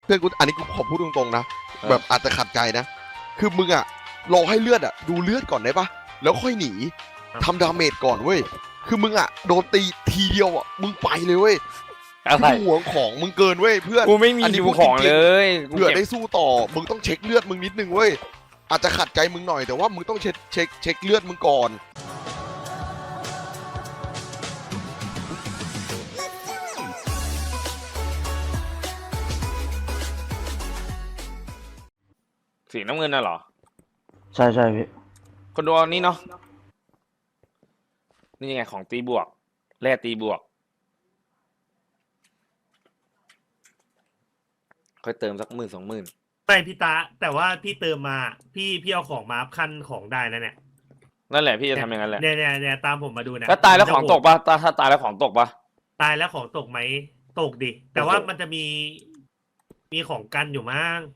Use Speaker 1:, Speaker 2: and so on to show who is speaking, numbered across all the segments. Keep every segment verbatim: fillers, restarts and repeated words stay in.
Speaker 1: เพื่อนกูอันนี้กูขอพูดตรงๆนะแบบอาจจะขัดใจนะคือมึงอะรอให้เลือดอะดูเลือดก่อนได้ปะแล้วค่อยหนีทำดาเมจก่อนเว้ยคือมึงอะโดนตีทีเดียวอะมึงไปเลยเว้ยคือห่วงของมึงเกินเว้ยเพื่อน
Speaker 2: กูไม่มีอยู่ของเลย
Speaker 1: เผื่อได้สู้ต่อมึงต้องเช็คเลือดมึงนิดนึงเว้ยอาจจะขัดใจมึงหน่อยแต่ว่ามึงต้องเช็คเช็คเช็คเลือดมึงก่อน
Speaker 2: สีน้ำเงินน่ะเหรอ
Speaker 3: ใช่ใช่พี่
Speaker 2: คนดูนี่เนาะนี่ไงของตีบวกแร่ตีบวกค่อยเติมสักหมื่นสองหมื่น
Speaker 4: ไม่พี่ตาแต่ว่าพี่เติมมาพี่พี่เอาของมาขั้นของได้นะเนี่ย
Speaker 2: นั่นแหละพี่จะทำอย่างนั้นแหละ
Speaker 4: เนี่ยเนี่ยเนี่ยตามผมมาดูนะ
Speaker 2: แล้วตายแล้วของตกปะตาถ้าตายแล้วของตกปะ
Speaker 4: ตายแล้วของตกไหมตกดิแต่ว่ามันจะมีมีของกันอยู่มั้ง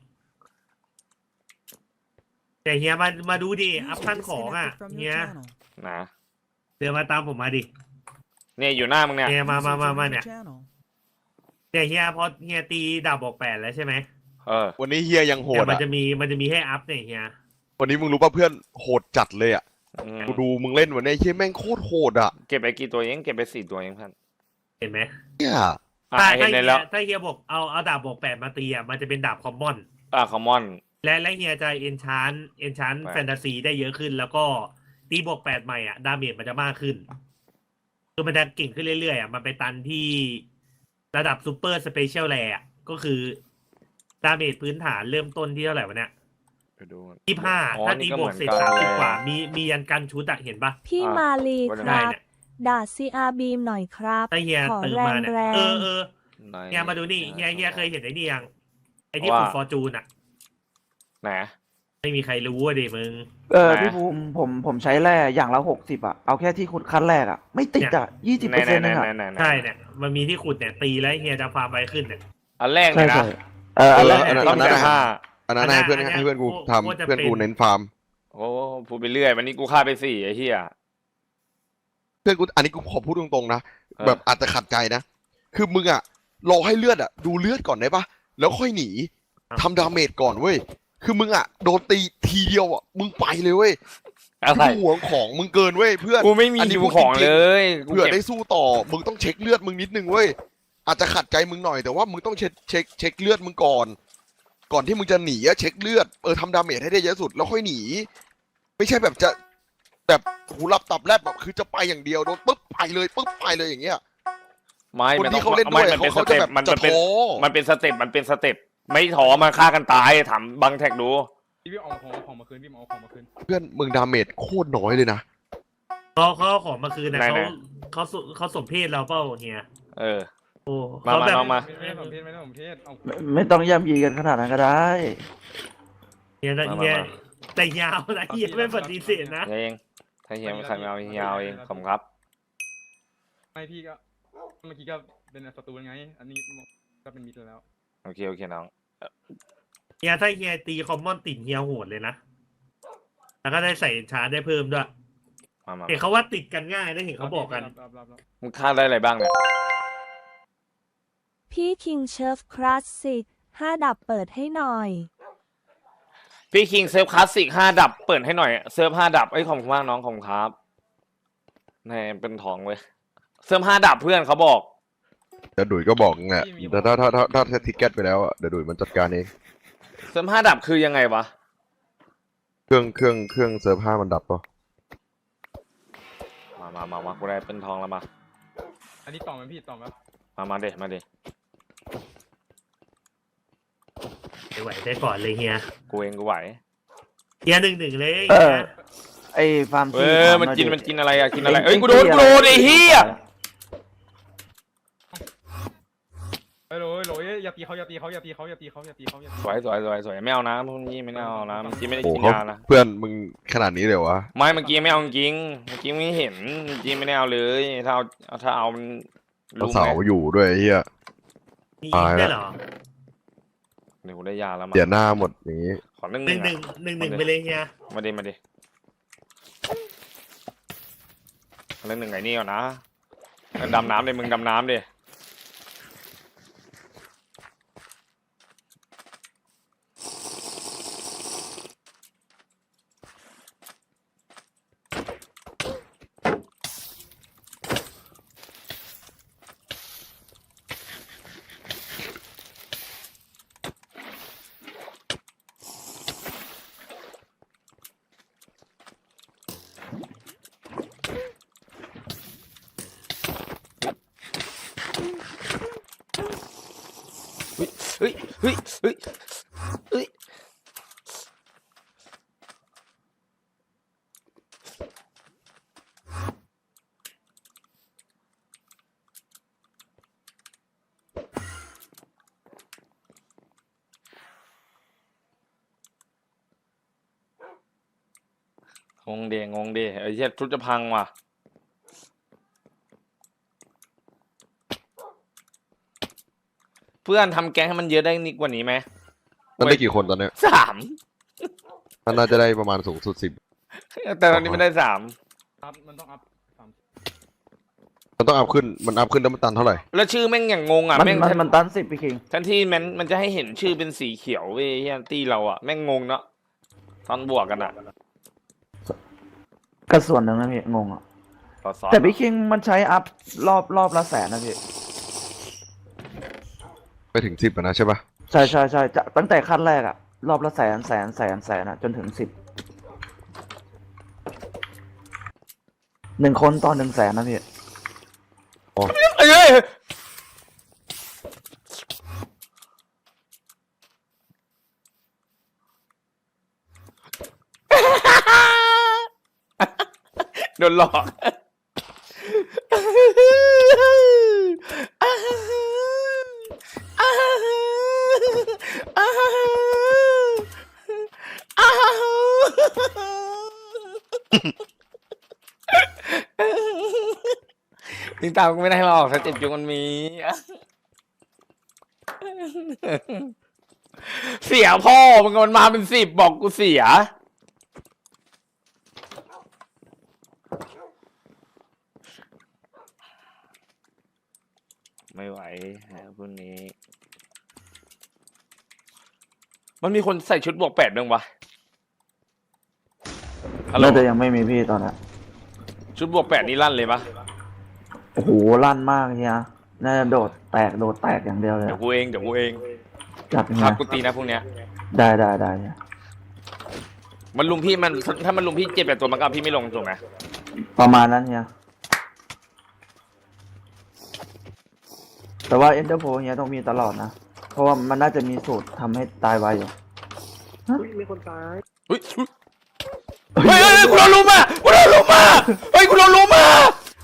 Speaker 4: แต่เฮียมามาดูดิอัพขั้นของอ่ะเฮีย
Speaker 2: นะ
Speaker 4: เดี๋ยวมาตามผมมาดิ
Speaker 2: เนี่ยอยู่หน้ามึงเนี่ย
Speaker 4: เฮียมามามามาเนี่ยเนี่ยเฮียพอเฮียตีดาบบอกแปดแล้วใช่ไหม
Speaker 2: เออ
Speaker 1: วันนี้เฮียยังโหด
Speaker 4: แต่มัน
Speaker 1: อ่ะ
Speaker 4: จะมีมันจะมีให้อัพเนี่ยเฮีย
Speaker 1: วันนี้มึงรู้ป่ะเพื่อนโหดจัดเลยอ่ะกูดูมึงเล่นวันนี้เฮียแม่งโคตรโหดอ่ะ
Speaker 2: เก็บไปกี่ตัวเองเก็บไปสี่ตัวเองท่าน
Speaker 4: เห็นไหม
Speaker 1: เนี่ย
Speaker 4: ถ้าถ้าเฮียถ้าเฮียบอกเอาเอาดาบบอกแปดมาตีอ่ะมันจะเป็นดาบคอมมอน
Speaker 2: อ่าคอมมอน
Speaker 4: และและเฮียจะเอนชานเอนชานแฟนตาซีได้เยอะขึ้นแล้วก็ตีบวกแปดใหม่อ่ะดาเมจมันจะมากขึ้นคือมันจะเก่งขึ้นเรื่อยๆอ่ะมันไปตันที่ระดับซูเปอร์สเปเชียลแลร์ก็คือดาเมจพื้นฐานเริ่มต้นที่เท่าไหร่วะเนี่ยยี่ห้าถ้าตีบวกเสร็จสามสิบกว่ามีมียันกันชุดอะเห็นปะ
Speaker 5: พี่มาลีครับด่าซีอาร์บีมหน่อยครับ
Speaker 4: ถ้าเฮียตื่นมาเนี่ยเออเออเฮียมาดูนี่เฮียเฮียเคยเห็นไอ้นี่ยังไอ้ที่ขุดฟอร์จูนอะ
Speaker 2: ไหน
Speaker 4: ไม่มีใครรู้อ่ะดิมึง
Speaker 3: เออพี่ภูมิผมผมใช้แร่อย่างละหกสิบอ่ะเอาแค่ที่ขุดขั้นแรกอ่ะไม่ติดอ่ะยี่สิบเปอร์เซ็นต์นึงอ่ะ
Speaker 4: ใช่เนี่ยมันมีที่ขุดเนี่ยตีแล้วเฮียจะฟาร์มไปขึ้นเนี่ย
Speaker 2: อันแรกเลยนะ
Speaker 3: เอออันแรก
Speaker 1: ต้องได้ห้าอันนั้นให้เพื่อนให้เพื่อนกูทำเพื่อนกูเน้นฟาร์ม
Speaker 2: โอ้พูดไปเรื่อยวันนี้กูฆ่าไปสี่ไอ้เหี้ย
Speaker 1: เพื่อนกูอันนี้กูขอพูดตรงๆนะแบบอาจจะขัดใจนะคือมึงอะรอให้เลือดอะดูเลือดก่อนได้ปะแล้วค่อยหนีทำดาเมจก่อนเว้ยคือมึงอะโดนตีทีเดียวอะมึงไปเลยเว้ยห่วงของมึงเกินเว้ยเพื่อน
Speaker 2: กูไม่มีอยู่ของเลย
Speaker 1: เผื่อได้สู้ต่อมึงต้องเช็คเลือดมึงนิดนึงเว้ยอาจจะขัดใจมึงหน่อยแต่ว่ามึงต้องเช็คเช็คเช็คเลือดมึงก่อนก่อนที่มึงจะหนีอะเช็คเลือดเออทำดาเมจให้ได้เยอะสุดแล้วค่อยหนีไม่ใช่แบบจะแบบหูหลับตับแลบแบบคือจะไปอย่างเดียวโดนปุ๊บไปเลยปุ๊บไปเลยอย่างเงี้ย
Speaker 2: ไม่
Speaker 1: คนที่เขาเล่นด้วยเขาจะแบบ
Speaker 2: มัน
Speaker 1: จะท้อ
Speaker 2: มันเป็นสเต็ปมันเป็นสเต็ปไม่ท้อมาฆ่ากันตายถามบังแท็กดู
Speaker 6: พี่เอาของของมาคืนพี่เอาของมาคืน
Speaker 1: เพื่อนมึงดาเมจโคตรน้อยเลยนะ
Speaker 4: เขาเขาของมาคืนนะเขาเขาเขาสมเพศเราเปล่าเฮีย
Speaker 2: เออ
Speaker 4: โอ้
Speaker 2: มามามา
Speaker 6: ไม่สมเพศไม่สมเพศ
Speaker 3: ไม่ต้องย่ำยีกันขนาดนั้นก็ได้
Speaker 4: เฮียเฮียแต่ยาวนะเฮียไม่ปฏิเสธนะ
Speaker 2: เองถ้าเฮียใครไม่เอายาวเองผมครับ
Speaker 6: ไม่พี่ก็เมื่อกี้ก็เป็นศัตรูไงอันนี้ก็เป็นมิตรแล้ว
Speaker 2: โอเคโอเคน้อง
Speaker 4: เฮียถ้าเฮียตีคอมมอนติดเฮียโหดเลยนะแล้วก็ได้ใส่ชาร์จได้เพิ่มด้วยเห็นเขาว่าติดกันง่ายได้เห็นเขาบอกกัน
Speaker 2: มึงฆ่าได้อะไรบ้างเนี่ย
Speaker 5: พี่คิงเชฟคลาสสิกห้าดับเปิดให้หน่อย
Speaker 2: พี่คิงเซิร์ฟคลาสสิกห้าดับเปิดให้หน่อยเซิร์ฟห้าดับไอ้ขอบคุณมากน้องขอบคุณครับนี่เป็นทองเว้ยเซิร์ฟห้าดับเพื่อนเขาบอก
Speaker 1: เดี๋ยวดุยก็บอกไงแต่ถ้าถ้าถ้าถ้าถ้าทิกเก็ตไปแล้วอ่ะเดี๋ยวดุยมันจัดการเอง
Speaker 2: เซิร์ฟห้าดับคือยังไงวะ
Speaker 1: เครื่องเครื่องเครื่องเซิร์ฟห้ามันดับปะ
Speaker 2: มามามามากูได้เป็นทองแล้วมา
Speaker 6: อันนี้ต่อมันพี่ต่อมา
Speaker 2: มามาเด็มาเด็
Speaker 4: ไม่ไหวได้ก่อนเลยเฮีย
Speaker 2: กูเองกูไหว
Speaker 4: เฮียหนึ่งหนึ่งเลย
Speaker 3: เออไอ้ฟาร์ม
Speaker 2: เออมันกินมันกินอะไรอะกินอะไรเอ้ยกูโดนกูโดนไอ้เหี้ย
Speaker 6: เฮ้ยโหลโหลอย่าตีเขาอย่าตีเขาอย่าตีเขาอย่าตีเขาอย่าตีเขาอย่าตี
Speaker 2: สวยสวยสวยสวยไม่เอานะพวกนี้ไม่เอานะเมื่อกี้ไม่ได้กินยานะ
Speaker 1: เพื่อนมึงขนาดนี้เลยวะ
Speaker 2: ไม่เมื่อกี้ไม่เอาจริงเมื่อกี้ไม่เห็นเมื่อกี้ไม่ได้เอาเลยถ้าเอาถ้าเอามัน
Speaker 1: เสาอยู่ด้วยเฮีย
Speaker 4: ตายแล้ว
Speaker 2: เดี๋ยวกูได้ยาแล้วมา
Speaker 1: เดี๋ยวหน้าหมดอย่างนี้
Speaker 2: ขอหนึ่ง
Speaker 4: หนึ่งหนึ่งหนึ่งหนึ่งไปเลยเฮีย
Speaker 2: มาดิมาดิหนึ่งหนึ่งไงนี่ก่อนนะดำน้ำเลยมึงดำน้ำดิเฮ้ยเฮ้ยเฮ้ยเฮ้ยงงเดงงเดไอ้เหี้ยชุดจะพังว่ะเพื่อนทำแก๊งให้มันเยอะได้นิดกว่านี้ไหม
Speaker 1: มันได้กี่คนตอนเนี้ย
Speaker 2: สาม
Speaker 1: มันน่าจะได้ประมาณสูงสุดสิบ
Speaker 2: แต่ตอนนี้ไม่ได้สาม
Speaker 6: อัพมันต้องอัพสาม
Speaker 1: มันต้องอัพขึ้นมันอัพขึ้นแล้วมันตันเท่าไหร่
Speaker 2: แล้วชื่อแม่งอย่างงงอ่ะ
Speaker 3: มัน
Speaker 2: แม่ง
Speaker 3: มันมันตันสิบพี่คิง
Speaker 2: ทันที่มันมันจะให้เห็นชื่อเป็นสีเขียวเว้ยเฮียตี้เราอ่ะแม่งงงเนาะตอนบวกกันอ่ะ
Speaker 3: ก็ส่วนหนึ่งนะพี่งงอ่ะ
Speaker 2: ต่อสอน
Speaker 3: แต่พี่คิงมันใช้อัพรอบรอบละแสนนะพี่
Speaker 1: ไปถึงสิบนะใช่ปะ
Speaker 3: ใช่ใช่ใช่จะตั้งแต่ขั้นแรกอะรอบละแสนแสนแสนแสนอะจนถึงสิบหนึ่งคนต่อหนึ่งแสนนะพี่
Speaker 2: เอ้ยโดนหลอกติงตามกูไม่ได้หรอกถ้าเจ็บจุงมันมี เสียพ่อมึงมันมาเป็นสิบบอกกูเสีย ไม่ไหวฮะพวกนี้ มันมีคนใส่ชุดบวกแปดบ้างปะฮัลโหล
Speaker 3: น่าจะยังไม่มีพี่ตอนนั้น
Speaker 2: ชุดบวกแปดนี่ลั่นเลยปะ
Speaker 3: โอ้โหลั่นมากเฮียน่าจะโดดแตกโดดแตกอย่างเดียวเลย
Speaker 2: เดี๋ยวกูเองเดี๋ยวกูเอง
Speaker 3: จับเฮี
Speaker 2: ครั
Speaker 3: ย
Speaker 2: บกูตีนะพวกเนี้ย
Speaker 3: ได้ได้ได้เฮีย
Speaker 2: มันลุมพี่มันถ้ามันลุมพี่เจ็บแบบตัวมันก็เอาพี่ไม่ลงถูกไหม
Speaker 3: ประมาณนั้นเฮียแต่ว่าเอ็นเตอร์โพเฮียต้องมีตลอดนะ เพราะว่ามันน่าจะมีสูตรทำให้ตายไวอยู่
Speaker 2: เฮ้ยเฮ้ยเฮ้ยเฮ้ยกูโดนลุมอ่ะกูโดนลุมอ่ะเฮ้ยกูโดนลุมอ่ะ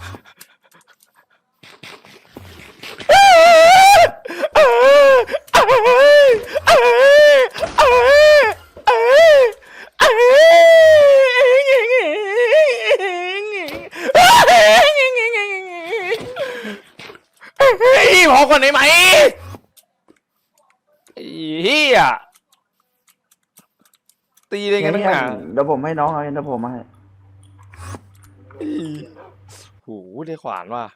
Speaker 2: พอก่อนได้ไหมเฮียตีเลยกันตั้งนาน
Speaker 3: เดี๋ยวผมให้น้องเอาเอ็นเตอร์โพมาให้
Speaker 2: โหได้ขวานว่ะ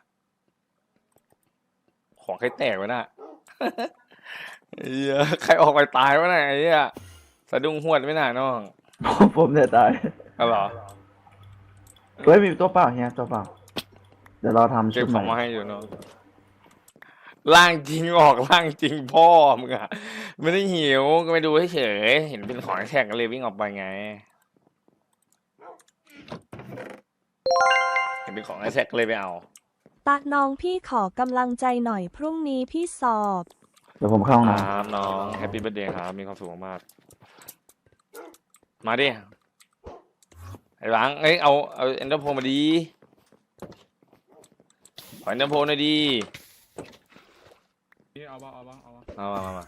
Speaker 2: ของใครแตกวะน่ะเฮียใครออกไปตายวะน่ะไอ้เหี้ยสะดุ้งหวดไม่น่าน้อง
Speaker 3: ผมผมเนี่ยตาย
Speaker 2: เอาเหรอ
Speaker 3: เฮ้ยมีตัวเปล่าเฮียตัวเปล่า เดี๋ยวเราทำ
Speaker 2: เก็
Speaker 3: ชุ
Speaker 2: บ
Speaker 3: ด
Speaker 2: ข
Speaker 3: ให
Speaker 2: องมา
Speaker 3: ม่
Speaker 2: ให้อยู่น้องล่างจริงออกล่างจริงพ่อมึงอะไม่ได้หิวก็ไปดูเฉยๆเห็นเป็นของแท็กก็เลยวิ่งออกไปไงเห็นเป็นของแท็กก็เลยไปเอา
Speaker 5: ตาน้องพี่ขอกำลังใจหน่อยพรุ่งนี้พี่สอบ
Speaker 3: เดี๋ยวผมเข้าห้อง
Speaker 2: ค
Speaker 3: น้
Speaker 2: รับน้องแฮปปี้เบิร์ดเดย์ครับมีความสุขมากๆมาดิไอ้หลังเอ้ยเอาเอาเอ็นเตอร์โพมาดีขอเอ็นเตอร์โพหน่อยดี
Speaker 6: นี่เอาบ้าเอาบ้าเอาบ้า
Speaker 2: เอามามามา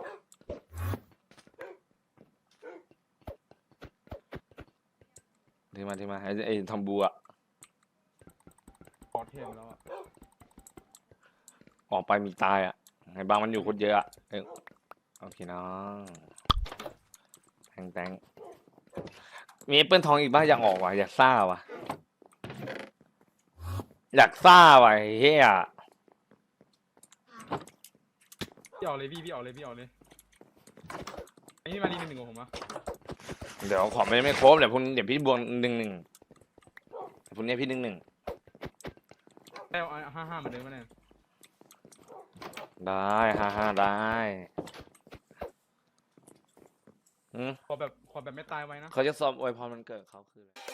Speaker 2: ที่มาที่มาไอ้ไอ้ทอมบูอะ
Speaker 6: พอเทมแล้วอ่ะ
Speaker 2: ออกไปมีตายอะไอ้บางมันอยู่คนเยอะอะเอ้ยโอเคน้องแตงแตงมีแอปเปิลทองอีกบ้างอยากออกว่ะอยากซ่าว่ะอยากซ่าว่ะไอ้เฮีย
Speaker 6: พี่เอาเลยพี่พี่เอาเลยพี่เอาเลยไอ้นี่มาดีหนึ่งหนึ่งของผมอ่ะ
Speaker 2: เดี๋ยวขอไม่ไม่ครบเดี๋ยวพุ่นเดี๋ยวพี่บวกหนึ่งหนึ่งเดี๋ยวพุ่นเนี้ยพี่หนึ่งหนึ่ง
Speaker 6: ได้เอาห้าห้าเหมือนเดิมไหมเนี่ย
Speaker 2: ได้ฮ่าฮ่าได้อืม
Speaker 6: ขอแบบขอแบบไม่ตายไว้นะ
Speaker 2: เขาจะซ้อมอวยพรมันเกิดเขาคืออะไร